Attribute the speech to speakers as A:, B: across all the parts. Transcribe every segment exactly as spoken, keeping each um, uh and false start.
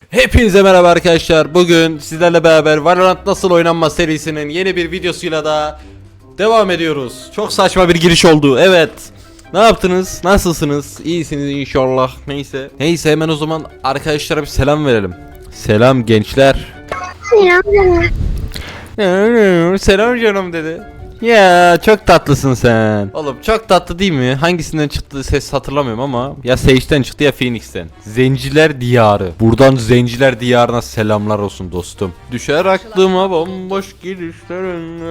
A: Hepinize merhaba arkadaşlar. Bugün sizlerle beraber Valorant nasıl oynanmaz serisinin yeni bir videosuyla da devam ediyoruz. Çok saçma bir giriş oldu. Evet. Ne yaptınız? Nasılsınız? İyisiniz inşallah. Neyse. Neyse hemen o zaman arkadaşlara bir selam verelim. Selam gençler.
B: Selam canım.
A: Selam canım dedi. Ya çok tatlısın sen. Oğlum çok tatlı değil mi? Hangisinden çıktı ses hatırlamıyorum ama ya Sage'den çıktı ya Phoenix'ten. Zenciler Diyarı. Buradan Zenciler Diyarı'na selamlar olsun dostum. Düşer aklıma bomboş gidişlerin.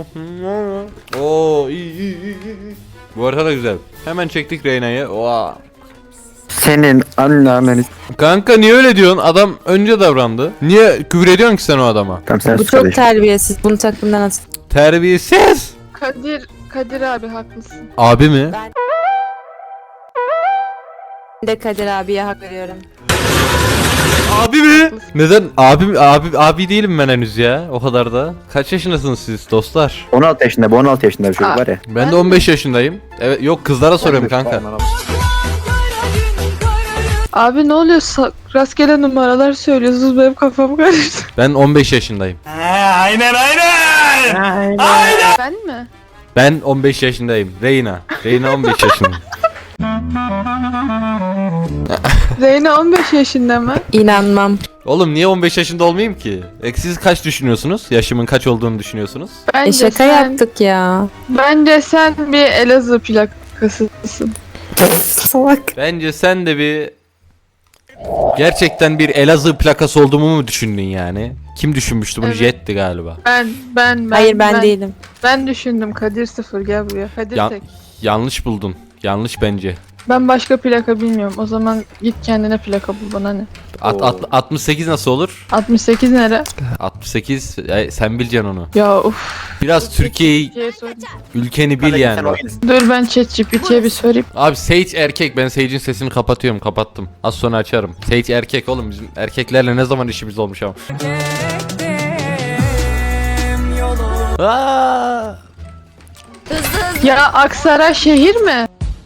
A: Oo iyi iyi iyi. Bu arada da güzel. Hemen çektik Reyna'yı. Oha.
C: Senin anneanneni.
A: Kanka niye öyle diyorsun? Adam önce davrandı. Niye küfür ediyorsun ki sen o adama?
C: Tamam sen
D: Bu
C: sus
D: çok
C: kardeşim.
D: terbiyesiz. Bunu takımdan at.
A: Terbiyesiz.
B: Kadir, Kadir abi haklısın.
A: Abi mi?
D: Ben de Kadir abiye hak veriyorum.
A: Abi mi? Neden? Abi abi abi değilim ben henüz ya. O kadar da. Kaç yaşındasınız siz dostlar?
C: on altı yaşında, bu on altı yaşında bir çocuk
B: Aa.
C: var ya.
A: Ben de on beş yaşındayım. Evet yok kızlara soruyorum kanka.
B: Abi ne oluyor? Sa- rastgele numaralar söylüyorsunuz, benim kafam karıştı.
A: Ben on beş yaşındayım.
B: Ben mi?
A: Ben on beş yaşındayım. Reyna. Reyna on beş yaşında.
B: Reyna on beş yaşında mı?
D: İnanmam.
A: Oğlum niye on beş yaşında olmayayım ki? E, siz kaç düşünüyorsunuz? Yaşımın kaç olduğunu düşünüyorsunuz?
B: Bence
D: E şaka
B: sen,
D: yaptık ya.
B: Bence sen bir Elazığ plakasısın.
D: Salak.
A: Bence sen de bir gerçekten bir Elazığ plakası olduğumu mu düşündün yani? Kim düşünmüştü bunu?
B: Evet.
A: Jet'ti galiba.
B: Ben, ben, ben.
D: Hayır ben, değilim.
B: Ben düşündüm. Kadir sıfır, gel buraya. Kadir
A: Ya-
B: tek.
A: Yanlış buldun. Yanlış bence.
B: Ben başka plaka bilmiyorum. O zaman git kendine plaka bul, bana ne?
A: At, at, altmış sekiz nasıl olur?
B: altmış sekiz nere?
A: altmış sekiz e, sen bileceksin onu.
B: Ya uf.
A: Biraz Türkiye'yi,
B: Diye sorayım.
A: ülkeni bil yani. Bak.
B: Dur ben ChatGPT'ye bir sorayım.
A: Abi Sage erkek. Ben Sage'in sesini kapatıyorum. Kapattım. Az sonra açarım. Sage erkek oğlum. Bizim erkeklerle ne zaman işimiz olmuş ama. Aa!
B: Ya Aksaray şehir mi?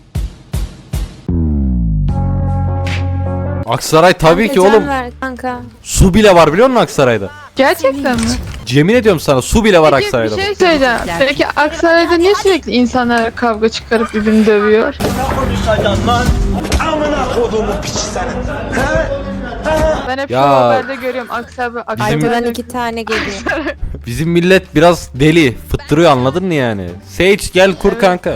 A: Aksaray tabii ki
D: Kanka,
A: oğlum.
D: can ver Kanka.
A: Su bile var biliyor musun Aksaray'da?
B: Gerçekten mi?
A: Yemin ediyorum sana su bile var
B: Peki,
A: Aksaray'da.
B: bir şey söyleyeceğim. Peki Aksaray'da niye sürekli insanlar kavga çıkarıp birbirini dövüyor?
E: Konuşacaksın lan. Amına kodumu piç senin. He?
B: Ben hep
A: Ya.
B: şu haberde görüyorum Aksaray.
A: Bizim-
D: Arkadan iki tane geliyor.
A: Bizim millet biraz deli. Fıttırıyor anladın mı yani? Sage gel kur
B: Evet.
A: kanka.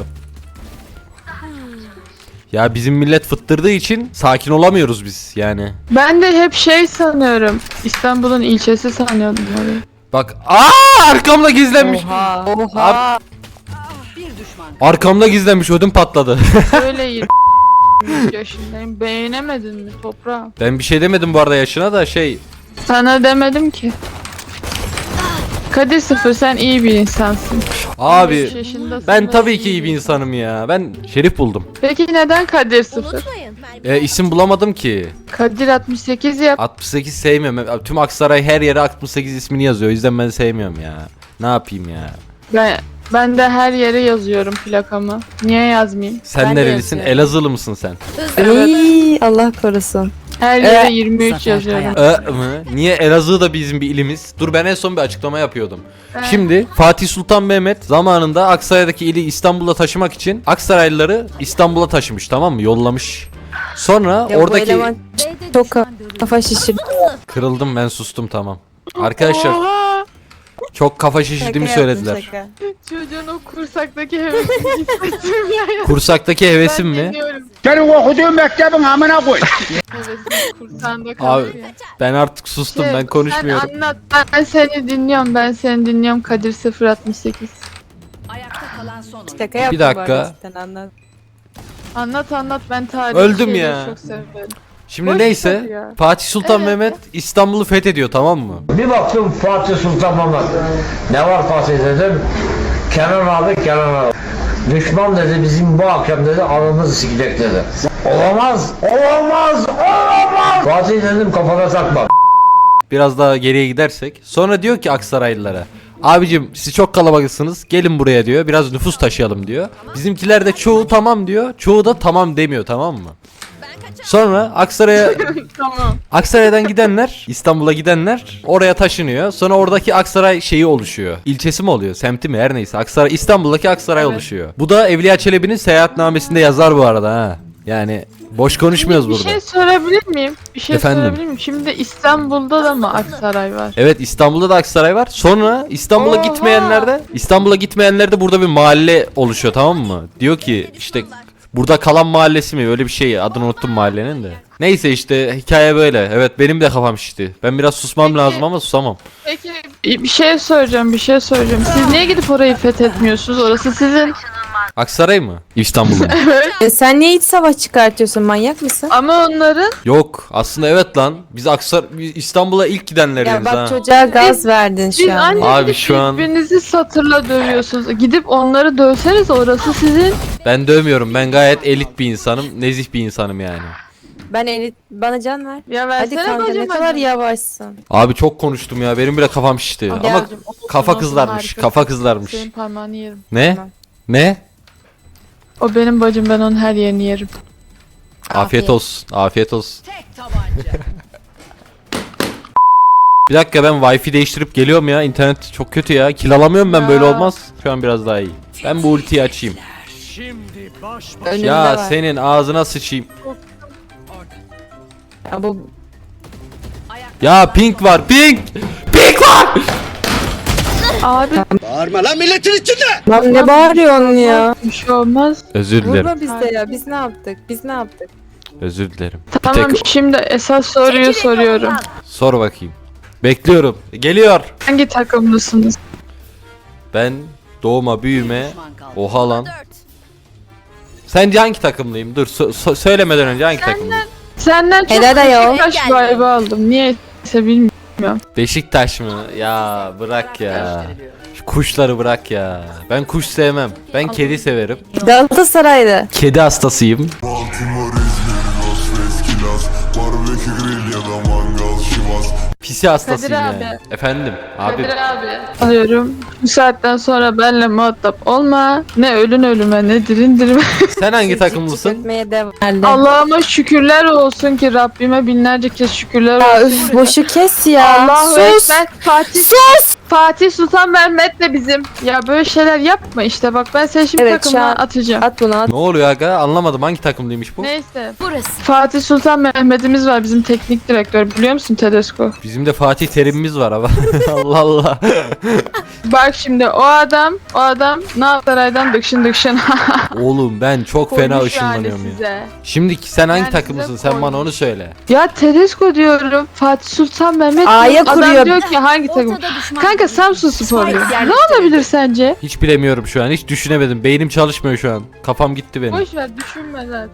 A: Ya bizim millet fıttırdığı için sakin olamıyoruz biz yani.
B: Ben de hep şey sanıyorum. İstanbul'un ilçesi sanıyordum orayı.
A: Bak aa arkamda gizlenmiş.
D: Oha. Oha.
A: Arkamda gizlenmiş ödüm patladı.
B: Öyle yirmi yaşındayım. Beğenemedin mi toprağım?
A: Ben bir şey demedim bu arada yaşına da şey.
B: Sana demedim ki. Kadir sıfır, sen iyi bir insansın. on beş
A: Abi
B: yaşındasın
A: ben
B: ve
A: tabii ki iyi bir insanım ya. Ben Şerif buldum.
B: Peki neden Kadir sıfır?
A: E, isim bulamadım ki.
B: Kadir altmış sekiz yap.
A: altmış sekiz sevmiyorum. Tüm Aksaray her yere altmış sekiz ismini yazıyor. O yüzden ben sevmiyorum ya. Ne yapayım ya?
B: Ben ben de her yere yazıyorum plakamı. Niye yazmayayım?
A: Sen
D: Ben de
A: nerelisin?
D: yazıyorum.
A: Elazığlı mısın sen?
D: Ey, Allah korusun.
B: Her yere yirmi üç yazıyorum.
A: Ö mı? Niye Elazığ da bizim bir ilimiz? Dur ben en son bir açıklama yapıyordum.
B: Evet.
A: Şimdi Fatih Sultan Mehmet zamanında Aksaray'daki ili İstanbul'a taşımak için Aksaraylıları İstanbul'a taşımış, tamam mı? Yollamış. Sonra
D: Ya bu
A: oradaki
D: eleman çok ka- kafa şişirdi.
A: kırıldım, ben sustum, tamam. Arkadaşlar
B: Oha!
A: çok kafa şişirdiğimi
D: Şaka yaptım,
A: söylediler.
D: şaka.
B: Çocuğun o kursaktaki hevesini hissettim ya.
A: Kursaktaki hevesim
B: Ben
A: mi?
B: dinliyorum.
E: Senin okuduğun mektebin amına koy.
B: Hevesini kursağında
A: Abi
B: kalıyor ya.
A: ben artık sustum,
B: Şey,
A: ben konuşmuyorum.
B: Sen anlat, ben seni dinliyorum, ben seni dinliyorum Kadir sıfır altmış sekiz.
D: Şaka yaptım
A: dakika.
D: bu arada, cidden anlat.
B: Anlat anlat, ben tarih
A: Öldüm
B: şeyleri
A: ya.
B: çok severim.
A: Şimdi
B: Boş
A: neyse
B: ver ya.
A: Fatih Sultan
B: Evet.
A: Mehmet İstanbul'u fethediyor, tamam mı?
F: Bir baktım Fatih Sultan Mehmet. Ne var Fatih dedim. Kenan abi Kenan abi. Düşman dedi bizim bu akşam dedi alnımızı sikecek dedi. Olamaz, olamaz, olamaz. Fatih dedim kafana takma.
A: Biraz daha geriye gidersek. Sonra diyor ki Aksaraylılara. Abicim siz çok kalabalıksınız, gelin buraya diyor, biraz nüfus taşıyalım diyor. Bizimkiler de çoğu tamam diyor, çoğu da tamam demiyor, tamam mı? Sonra Aksaray'a
B: Tamam.
A: Aksaray'dan gidenler, İstanbul'a gidenler oraya taşınıyor. Sonra oradaki Aksaray şeyi oluşuyor. İlçesi mi oluyor? Semti mi? Her neyse. Aksaray, İstanbul'daki Aksaray
B: Evet.
A: oluşuyor. Bu da Evliya Çelebi'nin seyahatnamesinde yazar bu arada ha. Yani boş konuşmuyoruz
B: Bir
A: burada.
B: şey sorabilir miyim? Bir şey
A: Efendim?
B: sorabilir miyim? Şimdi İstanbul'da da mı Aksaray var?
A: Evet, İstanbul'da da Aksaray var. Sonra İstanbul'a
B: Oha!
A: gitmeyenler de İstanbul'a gitmeyenler de burada bir mahalle oluşuyor, tamam mı? Diyor ki işte burada kalan mahallesi mi? Öyle bir şey. Adını unuttum mahallenin de. Neyse işte hikaye böyle. Evet, benim de kafam şişti. Ben biraz susmam
B: Peki.
A: lazım ama susamam.
B: Peki bir şey soracağım, bir şey soracağım. Siz niye gidip orayı fethetmiyorsunuz? Orası sizin.
A: Aksaray mı? İstanbul mu?
D: E, sen niye iç savaş çıkartıyorsun? Manyak mısın?
B: Ama onların
A: Yok. Aslında evet lan. Biz Aksar biz İstanbul'a ilk gidenleriz
D: Ya bak
A: ha.
D: çocuğa gaz verdin
B: siz
D: şu an.
B: anne
A: Abi
B: gidip
A: şu an-
B: birbirinizi satırla dövüyorsunuz. Gidip onları dövseniz orası sizin.
A: Ben dövmüyorum. Ben gayet elit bir insanım. Nezih bir insanım yani.
D: Ben elit bana can ver.
B: Ya
D: Hadi
B: versene
D: kanka ne
B: bacım
D: kadar
B: hadi.
D: yavaşsın.
A: Abi çok konuştum ya. Benim bile kafam şişti. Ama
B: Geldim, olsun,
A: kafa
B: olsun,
A: kızlarmış.
B: harika.
A: Kafa kızlarmış.
B: Senin parmağını yerim.
A: Ne?
D: Tamam.
A: Ne?
B: O benim bacım, ben onun her yerini yerim.
A: Afiyet
D: Afiyet.
A: olsun. Afiyet olsun. Bir dakika, ben Wi-Fi değiştirip geliyorum ya. İnternet çok kötü ya. Kill alamıyorum ben,
B: Ya.
A: böyle olmaz. Şu an biraz daha iyi. Ben bu ultiyi açayım.
D: Önünde
A: Ya
D: var.
A: senin ağzına sıçayım.
D: Ya bu
A: Ya pink var, pink! Pink var!
B: Abi
E: Bağırma lan milletin içinde.
D: lan ne bağırıyorsun ya?
B: bir şey olmaz.
A: Özür dilerim.
D: Vurma bizde ya. Biz ne yaptık? Biz ne yaptık?
A: Özür dilerim.
B: Tamam,
A: tek-
B: şimdi esas soruyu soruyorum.
A: Sor bakayım. Bekliyorum. Geliyor.
B: Hangi takımlısınız?
A: Ben doğuma büyüme. Oha lan. Sence hangi takımlıyım? Dur so- so- söylemeden önce hangi takımlıyım?
B: Senden çok
D: Helal ayol.
B: Beşiktaş vibe aldım. Niyeyse bilmiyorum.
A: Beşiktaş mı? Ya bırak ya. Şu kuşları bırak ya. Ben kuş sevmem. Ben kedi severim.
D: Galatasaraylı.
A: Kedi hastasıyım.
G: Baltimore, İzmir, Las Vegas, barbekü grill ya da mangal şivas.
A: Pisi hastasıyım
B: Kadir
A: yani.
B: abi.
A: Efendim abi.
B: Kadir abi. Alıyorum. Bu saatten sonra benimle muhatap olma. Ne ölün ölüme ne dirin dirime.
A: Sen hangi
D: Siz
A: takımlısın?
D: çıkartmaya devam.
B: Allah'ıma şükürler olsun ki Rabbime binlerce kez şükürler
D: Ya
B: olsun.
D: üf boşu kes ya.
B: Allahu
D: Sus.
B: Ekber. Fatih, Sus. Fatih Sultan Mehmet de bizim. Ya böyle şeyler yapma işte, bak ben seni şimdi
D: Evet, şu
B: takımdan
D: an-
B: atacağım.
D: At bunu at.
A: Ne oluyor aga? Anlamadım, hangi takımlıymış bu?
B: Neyse. Fatih Sultan Mehmet'imiz var, bizim teknik direktör, biliyor musun Tedesco?
A: Bizim de Fatih Terim'imiz var ama. Allah Allah.
B: Bak şimdi o adam, o adam Galatasaray'dan dıkşın dıkşın.
A: Oğlum ben çok fena
B: Koymuş yani
A: ışınlanıyorum ya.
B: size.
A: Şimdi sen hangi
B: Yani
A: takımlısın?
B: size
A: Sen bana
B: koymuş.
A: onu söyle.
B: Ya Tedesco diyorum, Fatih Sultan Mehmet
D: A'ya
B: diyorum. Adam
D: kuruyor.
B: diyor ki hangi takım? Kanka Samsun Spor diyor. Ne olabilir sence?
A: Hiç bilemiyorum şu an. Hiç düşünemedim. Beynim çalışmıyor şu an. Kafam gitti benim.
B: Boş ver, düşünme zaten.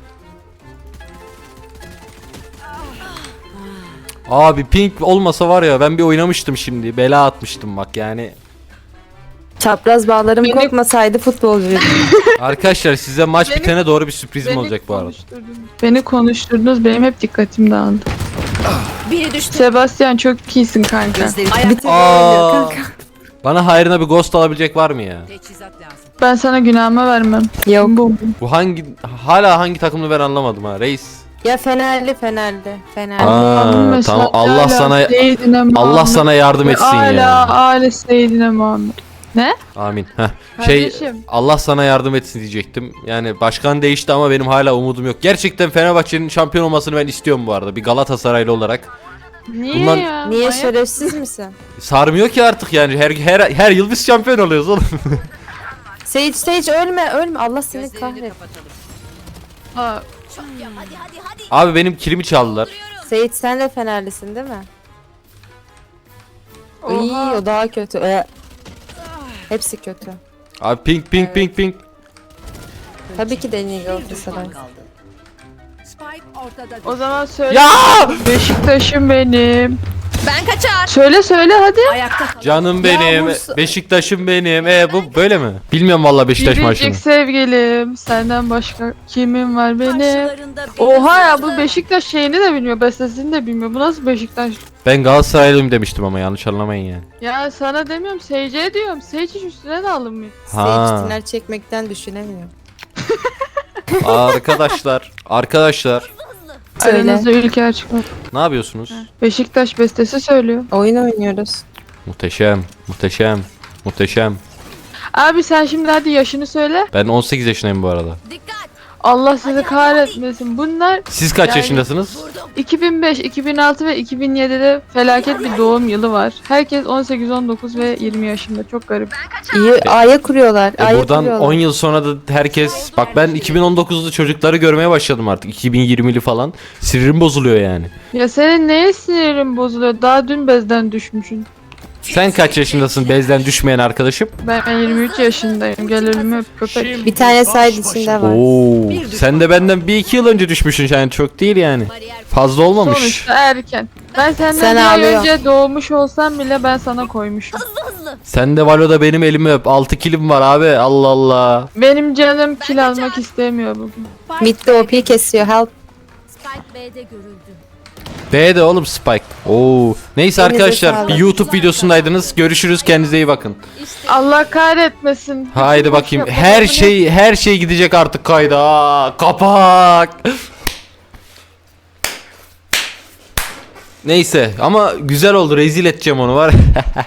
A: Abi pink olmasa var ya, ben bir oynamıştım şimdi. Bela atmıştım bak yani.
D: Çapraz bağlarım
B: Beni-
D: kopmasaydı futbolcuydum.
A: Arkadaşlar size maç
B: Beni-
A: bitene doğru bir sürprizim
B: Beni
A: olacak bu arada.
B: konuşturdunuz. Beni konuşturdunuz, benim hep dikkatim dağıldı.
H: Biri düştü.
B: Sebastian çok iyisin kanka.
H: Gözleri
D: Bir tek
A: Aa.
D: oynuyor kanka.
A: Bana hayrına bir ghost alabilecek var mı ya?
H: teçhizat lazım.
B: Ben sana günahımı vermem.
D: Yok.
B: Bu.
A: Bu hangi hala hangi takımını ben anlamadım ha reis.
D: Ya Fenerli Fenerli. Fenerli.
A: Aa,
B: Allahümme
A: tamam,
B: salli
A: Allah
B: ala
A: sana-
B: seyyidine Muhammed
A: Allah sana yardım
B: ve
A: etsin
B: ala
A: ya.
B: ale seyyidine Muhammed.
A: Amin. Heh. Şey
B: Kardeşim.
A: Allah sana yardım etsin diyecektim. Yani başkan değişti ama benim hala umudum yok. Gerçekten Fenerbahçe'nin şampiyon olmasını ben istiyorum bu arada. Bir Galatasaraylı olarak.
B: Niye
A: Bunlar-
B: ya?
D: Niye
B: Manyak
D: şerefsiz misin?
A: Sarmıyor ki artık yani. Her her her yıl biz şampiyon oluyoruz oğlum.
D: Sage Sage ölme ölme Allah seni
H: Gözlerini
D: kahret.
H: kapatalım.
B: Ha,
H: Hadi hadi hadi.
A: Abi benim kilimi çaldılar.
D: Sage sen de Fenerlisin değil mi? İyi
B: oha.
D: o daha kötü. Ee, Hepsi kötü.
A: Abi pink pink pink pink.
D: Tabii ki de en iyi
H: Bir
D: Galatasaray.
H: düşman kaldı. Spike ortada.
B: O zaman söyle.
A: Ya!
B: Beşiktaş'ım benim.
H: Ben kaçar.
B: Söyle söyle hadi.
H: Ayakta kal.
A: Canım benim,
D: Bursa-
A: Beşiktaş'ım benim. E bu böyle mi? Bilmiyorum vallahi Beşiktaş maçını.
B: Biricik sevgilim. Senden başka kimim var benim?
H: Karşılarında bir
B: Oha ya, bu
H: hırsızlık.
B: Beşiktaş şeyini de bilmiyor. Bestesini de bilmiyor. Bu nasıl Beşiktaş?
A: Ben Galatasaraylıyım demiştim ama yanlış anlamayın yani.
B: Ya sana demiyorum, Seyce'ye diyorum. Seyce hiç üstüne de alınmıyor.
A: Ha.
D: Sage tiner çekmekten düşünemiyor.
A: Arkadaşlar, arkadaşlar
D: Söyle.
B: Aranızda ülke çıkıyor.
A: ne yapıyorsunuz?
B: Beşiktaş bestesi söylüyor.
D: Oyun oynuyoruz.
A: Muhteşem, muhteşem, muhteşem.
B: Abi sen şimdi hadi yaşını söyle.
A: Ben on sekiz yaşındayım bu arada.
H: Dikkat.
B: Allah sizi kahretmesin. Bunlar
A: Siz kaç
B: Yani-
A: yaşındasınız?
B: iki bin beş, iki bin altı ve iki bin yedide felaket bir doğum yılı var. Herkes on sekiz, on dokuz ve yirmi yaşında. Çok garip.
D: İyi aya kuruyorlar.
A: E
D: aya
A: buradan
D: kuruyorlar.
A: on yıl sonra da herkes bak ben iki bin on dokuzlu çocukları görmeye başladım artık. iki bin yirmili falan. Sinirim bozuluyor yani.
B: Ya senin neye sinirin bozuluyor? Daha dün bezden düşmüşsün.
A: Sen kaç yaşındasın bezden düşmeyen arkadaşım?
B: Ben yirmi üç yaşındayım. Gel elimi öp köpek.
D: Bir tane side içinde var.
A: Oo, sen de benden bir iki yıl önce düşmüşsün yani çok değil yani.
H: Bariyer
A: Fazla olmamış.
B: Sonuçta erken. Ben senden
D: Sen
B: bir ay
D: ağlıyorsun.
B: önce doğmuş olsam bile ben sana koymuşum.
A: Sen de Valo'da benim elimi öp. altı kilim var abi. Allah Allah.
B: Benim canım kil almak istemiyor bugün.
D: Mid'de O P kesiyor. Help.
H: Spike B'de görüldü.
A: B'de oğlum Spike. Oo. Neyse
D: Elinize
A: arkadaşlar
D: sağlık.
A: bir YouTube videosundaydınız. Görüşürüz. Kendinize iyi bakın.
H: İşte
B: Allah kahretmesin.
A: Haydi
B: Bütün
A: bakayım.
B: boş
A: Her
B: yapmalarını-
A: şey her şey gidecek artık kayda. Aa, kapak. Neyse ama güzel oldu. Rezil edeceğim onu var.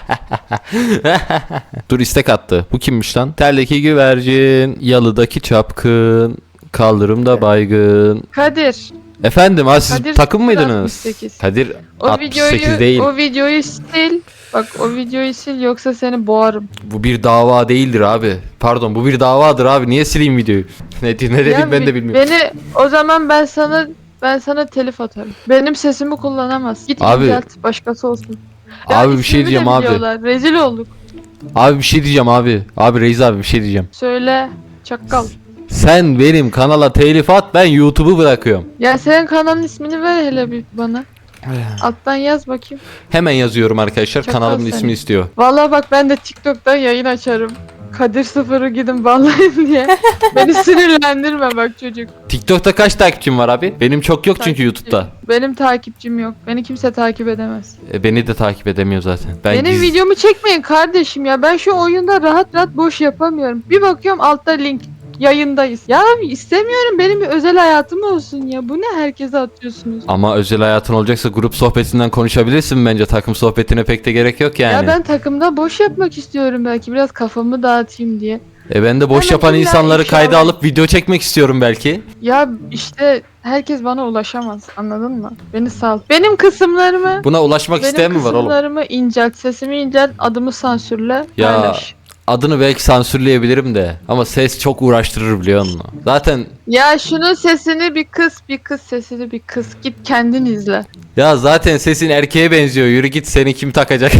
A: Dur istek attı. Bu kimmiş lan? Terdeki güvercin, yalıdaki çapkın, kaldırımda baygın.
B: Kadir.
A: Efendim ha siz
B: Kadir
A: takım mıydınız?
B: altmış sekiz.
A: Kadir
B: O
A: altmış sekiz
B: videoyu
A: değil.
B: o videoyu sil. Bak o videoyu sil yoksa seni boğarım.
A: Bu bir dava değildir abi. Pardon bu bir davadır abi. Niye sileyim videoyu? ne, ne dedim
B: Ya
A: ben de
B: bi-
A: bilmiyorum.
B: Beni o zaman ben sana ben sana telif atarım. Benim sesimi kullanamaz. Git
A: Abi-
B: incelt başkası olsun. Ya
A: Abi bir şey
B: ismimi de
A: diyeceğim abi.
B: biliyorlar, rezil olduk.
A: Abi bir şey diyeceğim abi. Abi Reis abi bir şey diyeceğim.
B: Söyle çakal.
A: Sen benim kanala telif at ben YouTube'u bırakıyorum.
B: Ya senin kanalın ismini ver hele bir bana. Alttan yaz bakayım.
A: Hemen yazıyorum arkadaşlar.
B: Çakal
A: Kanalımın
B: seni.
A: ismini istiyor.
B: Vallahi bak ben de TikTok'tan yayın açarım. Kadir sıfırı gidin bağlayın diye. Beni sinirlendirme bak çocuk.
A: TikTok'ta kaç takipçim var abi? Benim çok yok çünkü
B: Takipçi.
A: YouTube'da.
B: Benim takipçim yok. Beni kimse takip edemez.
A: E, beni de takip edemiyor zaten. Ben
B: Benim
A: giz-
B: videomu çekmeyin kardeşim ya. Ben şu oyunda rahat rahat boş yapamıyorum. Bir bakıyorum altta link. Yayındayız. Ya abi istemiyorum. Benim bir özel hayatım olsun ya. Bu ne herkese atıyorsunuz?
A: Ama özel hayatın olacaksa grup sohbetinden konuşabilirsin bence. Takım sohbetine pek de gerek yok yani.
B: Ya ben takımda boş yapmak istiyorum belki. Biraz kafamı dağıtayım diye.
A: E ben de boş
B: Hemen
A: yapan
B: illa
A: insanları
B: ifşa
A: kayda
B: ver.
A: alıp video çekmek istiyorum belki.
B: Ya işte herkes bana ulaşamaz. Anladın mı? Beni sal. Benim kısımlarımı
A: Buna ulaşmak isteyen
B: benim
A: mi var oğlum?
B: kısımlarımı incelt. Sesimi incelt. Adımı sansürle.
A: Ya
B: Paylaş.
A: adını belki sansürleyebilirim de ama ses çok uğraştırır biliyor musun? Zaten
B: Ya şunun sesini bir kız, bir kız sesini bir kız. Git kendin izle.
A: ya zaten sesin erkeğe benziyor. Yürü git seni kim takacak?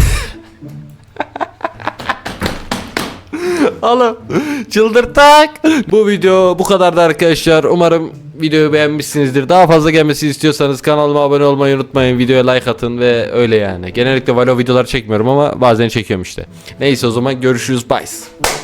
A: Oğlum çıldırtak. Bu video bu kadardı arkadaşlar. Umarım videoyu beğenmişsinizdir. Daha fazla gelmesini istiyorsanız kanalıma abone olmayı unutmayın. Videoya like atın ve öyle yani. Genellikle Valo videolar çekmiyorum ama bazen çekiyorum işte. Neyse o zaman görüşürüz. Bye.